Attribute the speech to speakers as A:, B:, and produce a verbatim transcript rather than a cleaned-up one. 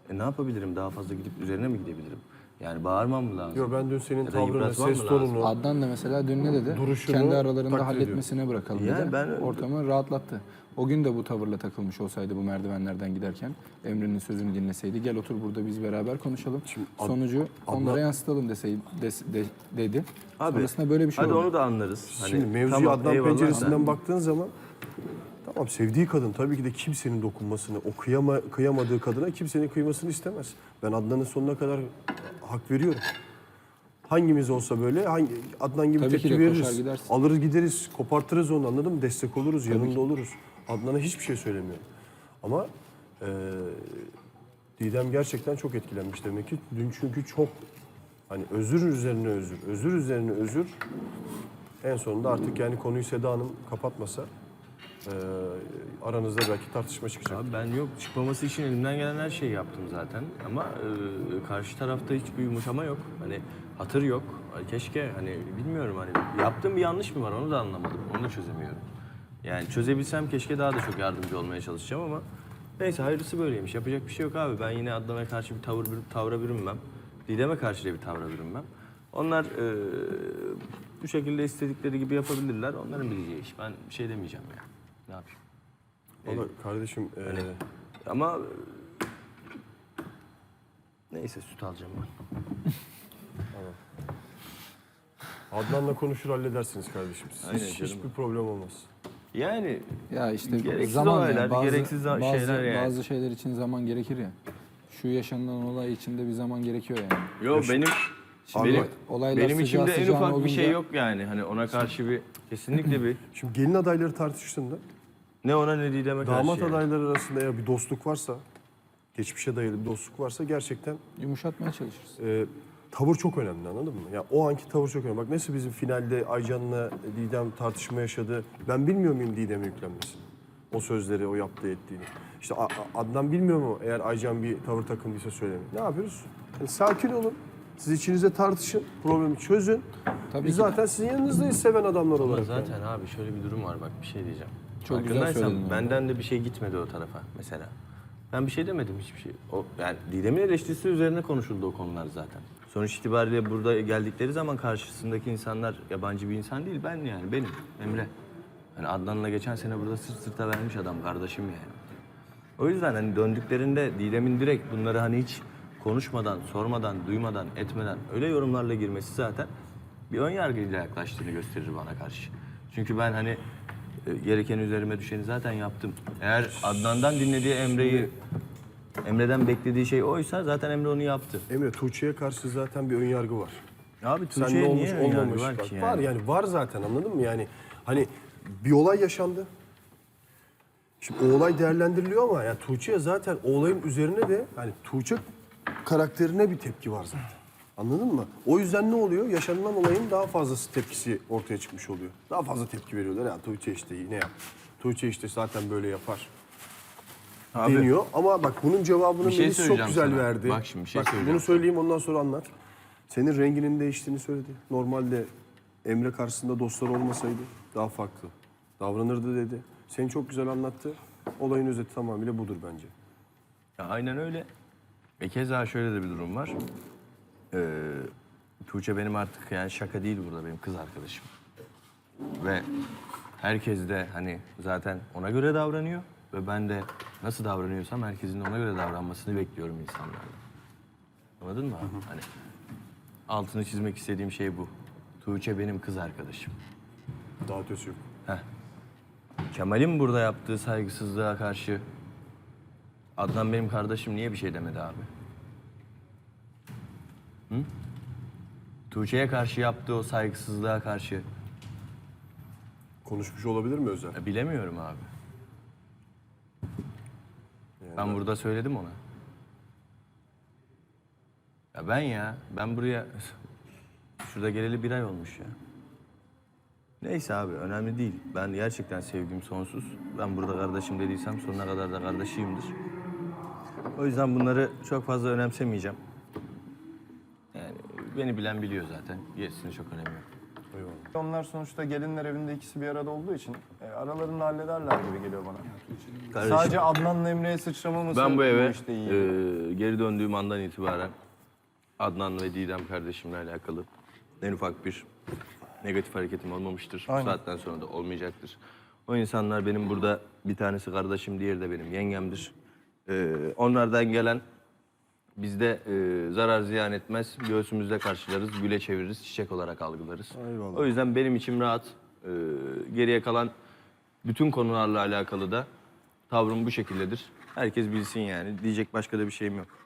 A: E ne yapabilirim? Daha fazla gidip üzerine mi gidebilirim? Yani bağırmam mı lazım?
B: Yok ben dün senin
A: Ya da
B: tavrını,
A: yıpratmam
B: ses
A: mı lazım?
B: tonunu,
C: Adnan da mesela dün ne dedi?
B: duruşunu
C: Kendi aralarında
B: takdir
C: halletmesine bırakalım
A: Yani
C: dedi.
A: ben-
C: Ortamı rahatlattı. O gün de bu tavırla takılmış olsaydı bu merdivenlerden giderken Emre'nin sözünü dinleseydi gel otur burada biz beraber konuşalım.
B: Ad-
C: Sonucu onlara
B: Adnan-
C: yansıtalım deseydi des- de- dedi.
A: Abi,
C: Sonrasında böyle bir şey
A: hadi
C: oldu.
A: onu da anlarız. Hani,
B: Şimdi mevzuya
A: tamam,
B: Adnan
A: eyvallah
B: penceresinden
A: da-
B: baktığın zaman tamam sevdiği kadın tabii ki de kimsenin dokunmasını, o kıyama, kıyamadığı kadına kimsenin kıymasını istemez. Ben Adnan'ın sonuna kadar hak veriyorum. Hangimiz olsa böyle hangi Adnan gibi
C: Tabii ki
B: tepki
C: de koşar
B: veririz.
C: gidersin.
B: Alır gideriz, kopartırız onu anladın mı? Destek oluruz, yanında oluruz. Adnan'a hiçbir şey söylemiyorum. Ama eee Didem gerçekten çok etkilenmiş demek ki. Dün çünkü çok hani özür üzerine özür, özür üzerine özür. En sonunda artık yani konuyu Seda Hanım kapatmasa eee, aranızda belki tartışma çıkacak.
A: Abi ben yok çıkmaması için elimden gelen her şeyi yaptım zaten. Ama e, karşı tarafta hiçbir yumuşama yok. Hani hatır yok. Hani keşke hani bilmiyorum hani yaptığım bir yanlış mı var onu da anlamadım. Onu da çözemiyorum. Yani çözebilsem keşke daha da çok yardımcı olmaya çalışacağım ama neyse hayırlısı böyleymiş. Yapacak bir şey yok abi. Ben yine Adnan'a karşı bir tavır bir tavra bürünmem. Didem'e karşı da bir tavra bürünmem. Onlar e, bu şekilde istedikleri gibi yapabilirler. Onların bileceği iş. Ben bir şey demeyeceğim yani. Ne yapayım?
B: Valla kardeşim eee,
A: Ama neyse süt alacağım ben.
B: Adnan'la konuşur halledersiniz kardeşim. Siz
A: Aynen
B: hiç,
A: canım.
B: hiçbir problem olmaz.
A: Yani
C: Ya işte
A: Gereksiz
C: zaman
A: olaylar,
C: yani bazı,
A: gereksiz za-
C: bazı,
A: şeyler yani.
C: bazı şeyler için zaman gerekir ya. Şu yaşanılan olay içinde bir zaman gerekiyor yani.
A: yok benim
C: Şimdi
A: benim
C: olaylar
A: benim
C: sıcağı
A: içimde en
C: sıcağına
A: ufak bir şey
C: olunca-
A: yok yani. Hani ona karşı bir kesinlikle bir
B: Şimdi gelin adayları tartıştığında
A: ne ona ne Didem'e karşı.
B: damat
A: yani.
B: adayları arasında eğer bir dostluk varsa, geçmişe dayalı bir dostluk varsa gerçekten
C: Yumuşatmaya çalışırız.
B: e, tavır çok önemli anladın mı? Ya o anki tavır çok önemli. Bak nasıl bizim finalde Aycan'la Didem tartışma yaşadı. Ben bilmiyor muyum Didem'e yüklenmesini? O sözleri, o yaptığı ettiğini. İşte A- A- Adnan bilmiyor mu eğer Aycan bir tavır takındıysa söylemeyin. Ne yapıyoruz? Yani sakin olun. Siz içinizde tartışın, problemi çözün.
C: Tabii
B: Biz
C: ki.
B: zaten sizin yanınızdayız seven adamlar
A: Ama
B: olarak.
A: zaten abi şöyle bir durum var bak bir şey diyeceğim.
C: Çok güzel
A: Farkındaysan
C: söyledin yani.
A: benden de bir şey gitmedi o tarafa mesela. Ben bir şey demedim hiçbir şey. O yani Didem'in eleştirisi üzerine konuşuldu o konular zaten. Sonuç itibariyle burada geldikleri zaman karşısındaki insanlar yabancı bir insan değil ben yani benim Emre. Hani Adnan'la geçen sene burada sırt sırta vermiş adam kardeşim yani. O yüzden hani döndüklerinde Didem'in direkt bunları hani hiç konuşmadan, sormadan, duymadan, etmeden öyle yorumlarla girmesi zaten bir ön yargıyla yaklaştığını gösterir bana karşı. Çünkü ben hani e, gereken üzerime düşeni zaten yaptım. Eğer Adnan'dan dinlediği Emre'yi, Emre'den beklediği şey oysa zaten Emre onu yaptı.
B: Emre, Tuğçe'ye karşı zaten bir ön yargı var.
A: Abi
B: Sen ne
A: Tuğçe'ye
B: olmuş
A: niye ön yargı
B: olmamış
A: var
B: bak,
A: ki
B: var
A: yani?
B: yani var zaten anladın mı yani hani bir olay yaşandı. Şimdi o olay değerlendiriliyor ama yani Tuğçe'ye zaten o olayın üzerine de hani Tuğçe karakterine bir tepki var zaten. Anladın mı? O yüzden ne oluyor? Yaşanılan olayın daha fazlası tepkisi ortaya çıkmış oluyor. Daha fazla tepki veriyorlar. Ya Tuğçe işte ne yap? Tuğçe işte zaten böyle yapar.
A: Abi,
B: Deniyor. Ama bak bunun cevabını
A: Bir şey
B: Melis çok
A: söyleyeceğim
B: güzel
A: sana.
B: verdi.
A: Bak şimdi bir şey
B: Bak,
A: söyleyeceğim
B: bunu söyleyeyim ondan sonra anlat. Senin renginin değiştiğini söyledi. Normalde Emre karşısında dostlar olmasaydı daha farklı davranırdı dedi. Seni çok güzel anlattı. Olayın özeti tamamıyla budur bence.
A: Ya aynen öyle. Ve keza şöyle de bir durum var. Ee, Tuğçe benim artık yani şaka değil burada benim kız arkadaşım. Ve herkes de hani zaten ona göre davranıyor. Ve ben de nasıl davranıyorsam herkesin de ona göre davranmasını bekliyorum insanlardan. Anladın mı abi? Hani altını çizmek istediğim şey bu. Tuğçe benim kız arkadaşım.
B: Daha ötesi yok.
A: Heh. Kemal'in burada yaptığı saygısızlığa karşı Adnan benim kardeşim niye bir şey demedi abi? Hı? Tuğçe'ye karşı yaptığı o saygısızlığa karşı
B: Konuşmuş olabilir mi Özel?
A: ya bilemiyorum abi. Ben burada söyledim ona. Ya ben ya, ben buraya şurada geleli bir ay olmuş ya. Neyse abi, önemli değil. Ben gerçekten sevgim sonsuz. Ben burada kardeşim dediysem sonuna kadar da kardeşiyimdir. O yüzden bunları çok fazla önemsemeyeceğim. Yani beni bilen biliyor zaten. Gerisini çok önemi yok.
B: Eyvallah.
D: Onlar sonuçta gelinler evinde ikisi bir arada olduğu için e, aralarında hallederler gibi geliyor bana.
A: Kardeşim,
D: Sadece Adnan'la Emre'ye sıçramaması
A: ben bu eve
D: işte iyi.
A: e, geri döndüğüm andan itibaren Adnan ve Didem kardeşimle alakalı en ufak bir negatif hareketim olmamıştır. Bu
D: Aynen.
A: saatten sonra da olmayacaktır. O insanlar benim burada bir tanesi kardeşim, diğeri de benim yengemdir. E, onlardan gelen bizde e, zarar ziyan etmez. Göğsümüzde karşılarız, güle çeviririz, çiçek olarak algılarız.
B: Eyvallah.
A: O yüzden benim içim rahat. E, geriye kalan bütün konularla alakalı da tavrım bu şekildedir. Herkes bilsin yani. Diyecek başka da bir şeyim yok.